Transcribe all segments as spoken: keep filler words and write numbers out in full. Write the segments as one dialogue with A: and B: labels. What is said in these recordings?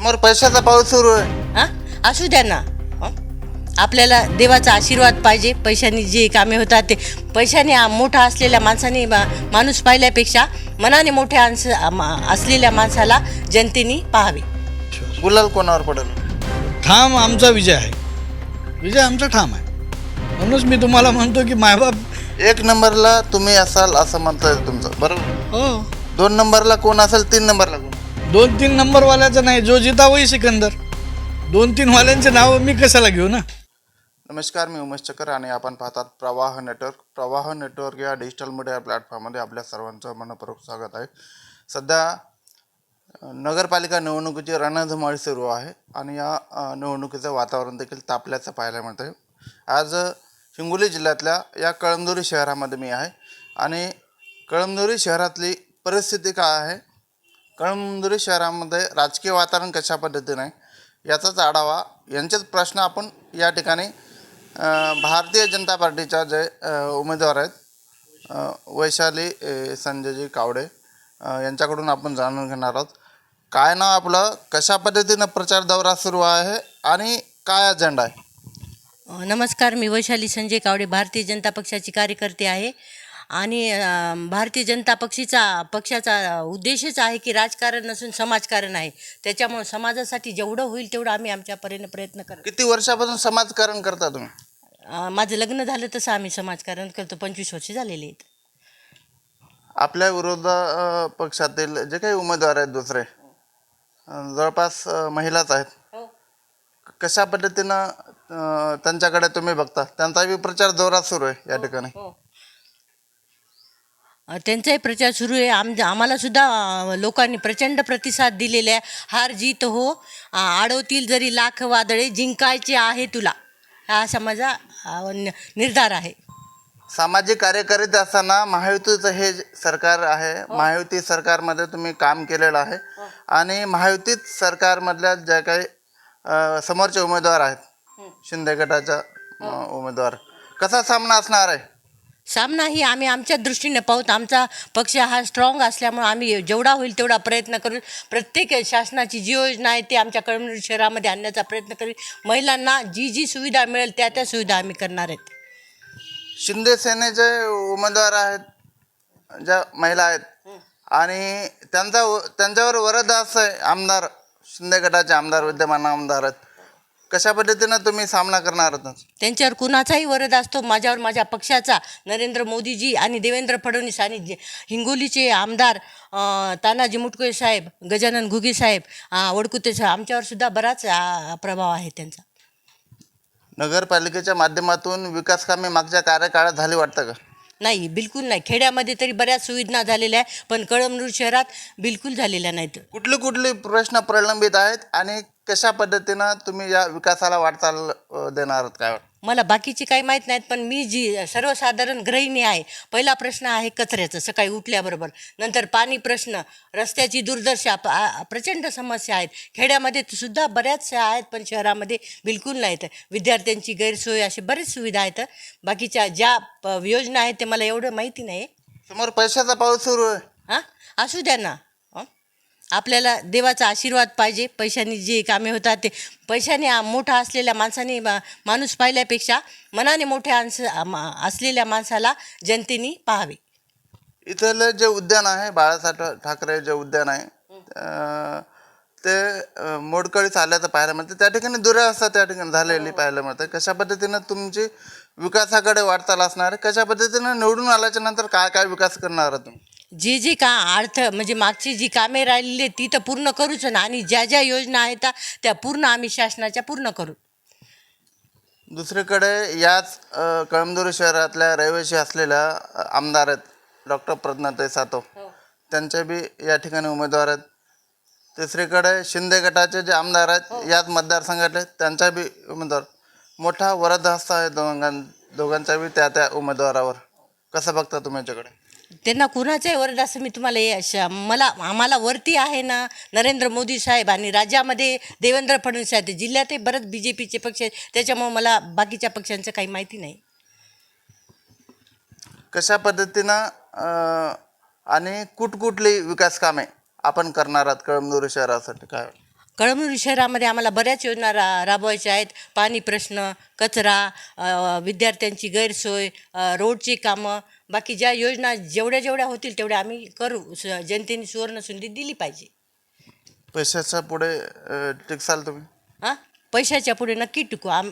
A: समोर पैशाचा पाऊस सुरू आहे.
B: हां असू द्या ना. हं? आपल्याला देवाचा आशीर्वाद पाहिजे. पैशाने जे कामे होतात ते पैशाने आ- मोठा असलेल्या माणसाने मा- माणूस पाहिल्यापेक्षा मनाने मोठ्या अंश मा- असलेल्या माणसाला जनतेने पाहावे.
A: गुलाल कोणावर पडेल?
C: ठाम आमचा विजय आहे. विजय आमचा ठाम आहे. म्हणूनच मी तुम्हाला म्हणतो की मायबाप
A: एक नंबरला तुम्ही असाल असं म्हणताय तुमचं बरोबर.
C: हो.
A: दोन नंबरला कोण असेल, तीन नंबरला कोण?
C: दोन तीन नंबरवाल्याचं नाही, जो जिता वही सिकंदर. दोन तीन वाल्यांचे नाव मी कशाला घेऊ ना.
A: नमस्कार, मी उमेश चकर आणि आपण पाहतात प्रवाह नेटवर्क. प्रवाह नेटवर्क या डिजिटल मीडिया प्लॅटफॉर्ममध्ये आपल्या सर्वांचं मनपूर्वक स्वागत आहे. सध्या नगरपालिका निवडणुकीची रणधुमाळी सुरू आहे आणि या अ, निवडणुकीचं वातावरण देखील तापल्याचं पाहायला मिळतं आहे. आज हिंगोली जिल्ह्यातल्या या कळमनुरी शहरामध्ये मी आहे आणि कळमनुरी शहरातली परिस्थिती काय आहे, कळमनुरी शहरामध्ये राजकीय वातावरण कशा पद्धतीने आहे याचाच आढावा, यांचेच प्रश्न आपण या ठिकाणी अ, भारतीय जनता पार्टीच्या जे अ, उमेदवार आहेत अ, वैशाली अ, संजयजी कावडे अ, यांच्याकडून आपण जाणून घेणार आहोत. काय नाव आपलं, कशा पद्धतीनं प्रचार दौरा सुरू आहे आणि काय अजेंडा आहे?
B: अ, नमस्कार, मी वैशाली संजय कावडे, भारतीय जनता पक्षाची कार्यकर्ते आहे. आणि अ, भारतीय जनता पक्षीचा पक्षाचा उद्देशच आहे की राजकारण नसून समाजकारण आहे. त्याच्यामुळे समाजासाठी जेवढं होईल तेवढं आम्ही आमच्या परीने प्रयत्न करतो.
A: किती वर्षापासून समाजकारण करता तुम्ही?
B: अ, माझं लग्न झालं तसं आम्ही समाजकारण करतो. पंचवीस वर्ष झालेली आहेत.
A: आपल्या विरोध अ, पक्षातील जे काही उमेदवार आहेत दुसरे अ, जवळपास अ, महिलाच आहेत. कशा पद्धतीनं अ, त्यांच्याकडे तुम्ही बघता? त्यांचा बी प्रचार जोरात सुरू आहे या ठिकाणी.
B: अ, त्यांचाही प्रचार सुरू आहे. आम आम्हाला सुद्धा अ, लोकांनी प्रचंड प्रतिसाद दिलेला आहे. हार जीत हो, अ, आडवतील जरी लाख वादळे, जिंकायचे आहे तुला, हा असा माझा अ, न- निर्धार आहे.
A: सामाजिक कार्यकर्ते असताना महायुतीचं हे जे सरकार आहे, महायुती सरकारमध्ये तुम्ही काम केलेलं आहे आणि महायुतीत सरकारमधल्या ज्या काही अ, समोरचे उमेदवार आहेत, शिंदे गटाचा अ, उमेदवार, कसा सामना असणार आहे?
B: सामना ही आम्ही आमच्या दृष्टीने पाहूत. आमचा पक्ष हा स्ट्रॉंग असल्यामुळे आम्ही जेवढा होईल तेवढा प्रयत्न करू. प्रत्येक शासनाची जी योजना आहे ती आमच्या कळमनुरी शहरामध्ये आणण्याचा प्रयत्न करू. महिलांना जी जी सुविधा मिळेल त्या त्या सुविधा आम्ही करणार आहेत.
A: शिंदे सेनेचे उमेदवार आहेत, ज्या महिला आहेत आणि त्यांचा त्यांच्यावर वरद असं आहे, आमदार शिंदे गटाचे आमदार, विद्यमान आमदार आहेत. कशा पद्धतीनं तुम्ही सामना करणार आहात?
B: त्यांच्यावर कुणाचाही वरद असतो. माझ्यावर माझ्या पक्षाचा नरेंद्र मोदीजी आणि देवेंद्र फडणवीस आणि जे हिंगोलीचे आमदार अ, तानाजी मुटकुळे साहेब, गजानन घुगे साहेब, अ, वडकुते साहेब, आमच्यावर सुद्धा बराच अ, प्रभाव आहे त्यांचा.
A: नगरपालिकेच्या माध्यमातून विकास कामे मागच्या कार्यकाळात झाली वाटतं का?
B: नाही, बिलकुल नाही. खेड्यामध्ये तरी बऱ्याच सुविधा झालेल्या आहे, पण कळमनुरी शहरात बिलकुल झालेल्या नाहीत.
A: कुठले कुठले प्रश्न प्रलंबित आहेत आणि कशा पद्धतीनं तुम्ही या विकासाला वाटचाल अ, देणार आहात, काय वाटतं?
B: मला बाकीची काही माहीत नाहीत, पण मी जी सर्वसाधारण गृहिणी आहे, पहिला प्रश्न आहे कचऱ्याचं सकाळी उठल्याबरोबर. नंतर पाणी प्रश्न, रस्त्याची दुर्दशा, प- आ- प्रचंड समस्या आहेत. खेड्यामध्ये सुद्धा बऱ्याचशा आहेत, पण शहरामध्ये बिलकुल नाहीत. विद्यार्थ्यांची गैरसोय, अशी बरीच सुविधा आहेत. बाकीच्या ज्या प- योजना आहेत ते मला एवढं माहिती नाही.
A: समोर पैशाचा पाऊस सुरू आहे.
B: हां असू द्या ना. हं? आपल्याला देवाचा आशीर्वाद पाहिजे. पैशाने जे कामे होतात ते पैशाने आ- मोठा असलेल्या माणसाने मा- माणूस पाहिल्यापेक्षा मनाने मोठ्या अंश मा- असलेल्या माणसाला जनतेने पाहावे.
A: इथलं जे उद्यान आहे, बाळासाहेब ठाकरे जे उद्यान आहे अ, ते अ, मोडकळीस आल्याचं पाहायला मिळतं. त्या ठिकाणी दुरावस्था त्या ठिकाणी झालेली पाहायला मिळते. कशा पद्धतीनं तुमची विकासाकडे वाटचाल असणार आहे? कशा पद्धतीनं निवडून आल्याच्या नंतर काय काय विकास करणार आहात तुम्ही?
B: जे जे का अर्थ म्हणजे मागची जी कामे राहिलेली आहेत ती तर पूर्ण करूच ना, आणि ज्या ज्या योजना आहेत त्या पूर्ण आम्ही शासनाच्या पूर्ण करू.
A: दुसरीकडे याच अ, कळमनुरी शहरातल्या रहिवासी असलेल्या अ, आमदार आहेत डॉक्टर प्रज्ञाताई सातव, त्यांचे बी या ठिकाणी उमेदवार आहेत. तिसरीकडे शिंदे गटाचे जे आमदार आहेत याच मतदारसंघातले, त्यांचा बी उमेदवार. मोठा वरद हस्त आहे दोघां दोघांचा बी त्या त्या उमेदवारावर. कसं बघता तुम्ही याच्याकडे?
B: त्यांना कुणाचाही वरद असं मी तुम्हाला हे अशा मला आम्हाला वरती आहे ना नरेंद्र मोदी साहेब, आणि राज्यामध्ये देवेंद्र फडणवीस आहेत, जिल्ह्यातही बरंच बी जे पीचे पक्ष आहेत. त्याच्यामुळे मला बाकीच्या पक्षांचं काही माहिती नाही.
A: कशा पद्धतीनं अ, आणि कुठकुठली विकास कामे आपण करणार आहात कळमनुरी शहरासाठी, काय?
B: कळमनुरी शहरामध्ये आम्हाला बऱ्याच योजना रा राबवायच्या आहेत. पाणी प्रश्न, कचरा, अ, विद्यार्थ्यांची गैरसोय, अ, रोडची कामं, बाकी ज्या योजना जेवढ्या जेवढ्या होतील तेवढ्या आम्ही करू. स जनतेने सुवर्णसंधी दिली पाहिजे.
A: पैशाच्या पुढे अ, टिकसाल तुम्ही?
B: हां, पैशाच्या पुढे नक्की टिकू. आम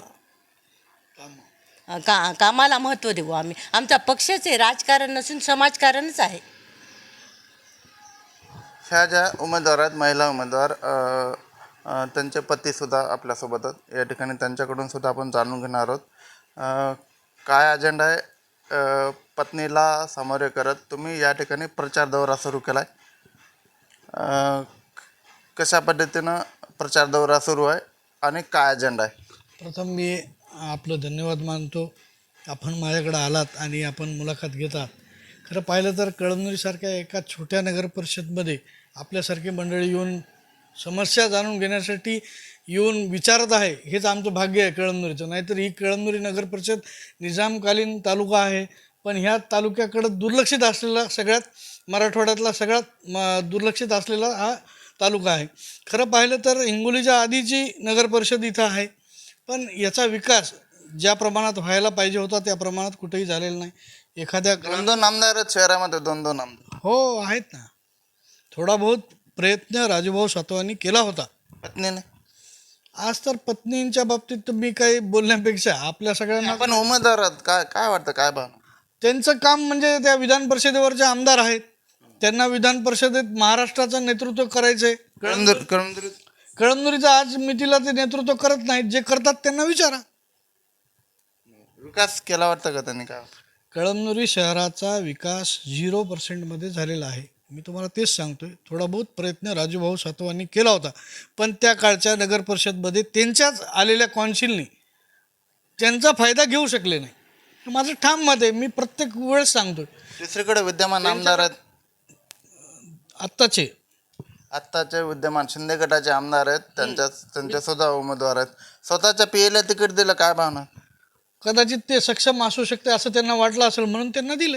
B: का कामाला महत्त्व देऊ आम्ही. आमचा पक्षच आहे, राजकारण नसून समाजकारणच आहे.
A: ह्या ज्या उमेदवार आहेत, महिला उमेदवार, अ, अ, त्यांचे पतीसुद्धा आपल्यासोबत आहेत. या ठिकाणी त्यांच्याकडून सुद्धा आपण जाणून घेणार आहोत अ, काय अजेंडा आहे. अ, पत्नीला सामोरे करत तुम्ही या ठिकाणी प्रचार दौरा सुरू केला आहे. कशा पद्धतीनं प्रचार दौरा सुरू आहे आणि काय अजेंडा आहे?
C: प्रथम मी आपलं धन्यवाद मानतो. आपण माझ्याकडे आलात आणि आपण मुलाखत घेतात. खरं पाहिलं तर कळमनुरीसारख्या एका छोट्या नगर परिषदमध्ये आपल्यासारखी मंडळी येऊन समस्या जाणून घेण्यासाठी येऊन विचारत आहे, हेच आमचं भाग्य आहे कळमनुरीचं. नाहीतर ही कळमनुरी नगर परिषद निजामकालीन तालुका आहे, पण ह्या तालुक्याकडं दुर्लक्षित असलेला, सगळ्यात मराठवाड्यातला सगळ्यात म दुर्लक्षित असलेला हा तालुका आहे. खरं पाहिलं तर हिंगोलीच्या आधीची नगर परिषद इथं आहे, पण याचा विकास ज्या प्रमाणात व्हायला पाहिजे होता त्या प्रमाणात कुठेही झालेला नाही. एखाद्या
A: दोन दोन आमदार आहेत शहरामध्ये, दोन दोन आमदार.
C: हो आहेत ना. थोडा बहुत प्रयत्न राजूभाऊ सातवांनी केला होता.
A: पत्नीने
C: आज तर पत्नींच्या बाबतीत तर मी काही बोलण्यापेक्षा आपल्या सगळ्यांना
A: आपण उमेदवार आहात, काय काय वाटतं, काय भावना?
C: त्यांचं काम म्हणजे त्या विधान परिषदेवरचे आमदार आहेत, त्यांना विधान परिषदेत महाराष्ट्राचं नेतृत्व करायचं आहे.
A: कळमनुरी कळमनुरी
C: कळमनुरीचं आज मितीला ते नेतृत्व करत नाहीत. जे करतात त्यांना विचारा.
A: विकास केला वाटतं का त्यांनी? काय
C: कळमनुरी शहराचा विकास झिरो पर्सेंटमध्ये झालेला आहे. मी तुम्हाला तेच सांगतोय. थोडा बहुत प्रयत्न राजूभाऊ सातवांनी केला होता, पण त्या काळच्या नगर परिषदमध्ये त्यांच्याच आलेल्या कौन्सिलनी त्यांचा फायदा घेऊ शकले नाही. माझं ठाम मत आहे. मी प्रत्येक वेळेस सांगतोय.
A: दुसरीकडे विद्यमान आमदार आहेत,
C: आत्ताचे
A: आत्ताचे विद्यमान शिंदे गटाचे आमदार आहेत, त्यांच्या त्यांचे सुद्धा उमेदवार आहेत. स्वतःच्या पीएला तिकीट दिलं, काय भावना?
C: कदाचित ते सक्षम असू शकते असं त्यांना वाटलं असेल, म्हणून त्यांना दिले.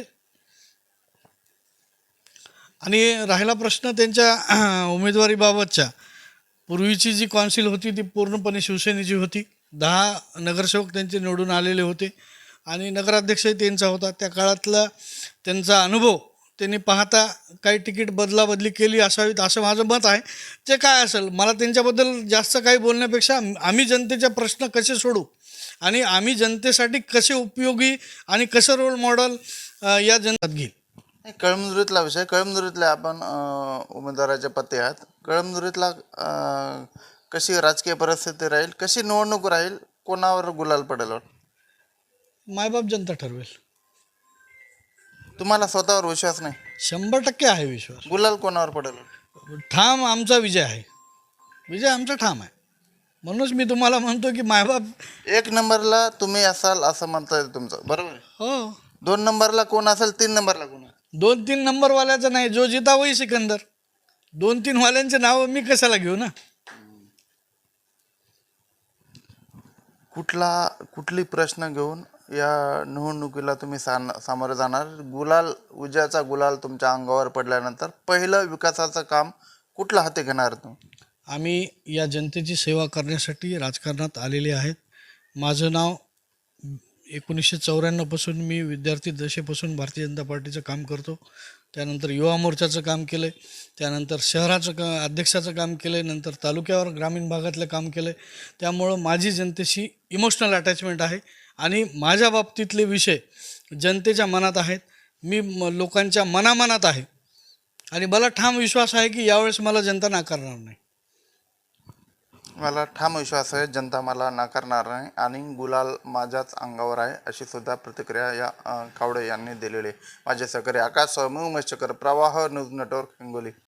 C: आणि राहिला प्रश्न त्यांच्या उमेदवारीबाबतच्या, पूर्वीची जी कौन्सिल होती ती पूर्णपणे शिवसेनेची होती. दहा नगरसेवक त्यांचे निवडून आलेले होते आणि नगराध्यक्षही त्यांचा होता. त्या काळातला त्यांचा अनुभव त्यांनी पाहता काही तिकीट बदलाबदली केली असावीत असं माझं मत आहे. ते काय असेल, मला त्यांच्याबद्दल जास्त काही बोलण्यापेक्षा आम्ही जनतेचे प्रश्न कसे सोडू आणि आम्ही जनतेसाठी कसे उपयोगी आणि कसं रोल मॉडेल या जनतात घेईल.
A: कळमनुरीतला विषय, कळमनुरीतल्या आपण अ, उमेदवाराचे पती आहात. कळमनुरीतला अ, कशी राजकीय परिस्थिती राहील, कशी निवडणूक राहील, कोणावर गुलाल पडेल?
C: मायबाप जनता ठरवेल.
A: तुम्हाला स्वतःवर विश्वास नाही?
C: शंभर टक्के आहे विश्वास.
A: गुलाल कोणावर पडेल?
C: ठाम आमचा विजय आहे. विजय आमचा ठाम आहे. म्हणूनच मी तुम्हाला म्हणतो की मायबाप
A: एक नंबरला तुम्ही असाल असं म्हणता येईल तुमचं, बरोबर आहे?
C: हो.
A: दोन नंबरला कोण असेल, तीन नंबरला कोण?
C: दोन तीन नंबरवाल्याचं नाही, जो जिता वही सिकंदर. दोन तीन वाल्यांचे नाव मी कशाला घेऊ ना.
A: कुठला कुठली प्रश्न घेऊन या निवडणुकीला तुम्ही सान सामोरे जाणार? गुलाल, विजयाचा गुलाल तुमच्या अंगावर पडल्यानंतर पहिलं विकासाचं काम कुठलं हाती घेणार तुम्ही?
C: आम्ही या जनतेची सेवा करण्यासाठी राजकारणात आलेले आहेत. माझं नाव एकोणीसशे चौऱ्याण्णवपासून मी विद्यार्थी दशेपासून भारतीय जनता पार्टीचं काम करतो. त्यानंतर युवा मोर्चाचं काम केलं आहे, त्यानंतर शहराचं का अध्यक्षाचं काम केलं आहे, नंतर तालुक्यावर ग्रामीण भागातलं काम केलं आहे. त्यामुळं माझी जनतेशी इमोशनल अटॅचमेंट आहे आणि माझ्या बाबतीतले विषय जनतेच्या मनात आहेत. मी म लोकांच्या मनामनात आहे आणि मला ठाम विश्वास आहे की यावेळेस मला जनता नाकारणार नाही.
A: मला ठाम विश्वास आहे जनता मला नाकारणार नाही आणि गुलाल माझ्याच अंगावर आहे, अशी सुद्धा प्रतिक्रिया या अ, कावडे यांनी दिलेली आहे. माझे सहकारी आकाश स्वामी, उमेश चकर, प्रवाह न्यूज नेटवर्क, हिंगोली.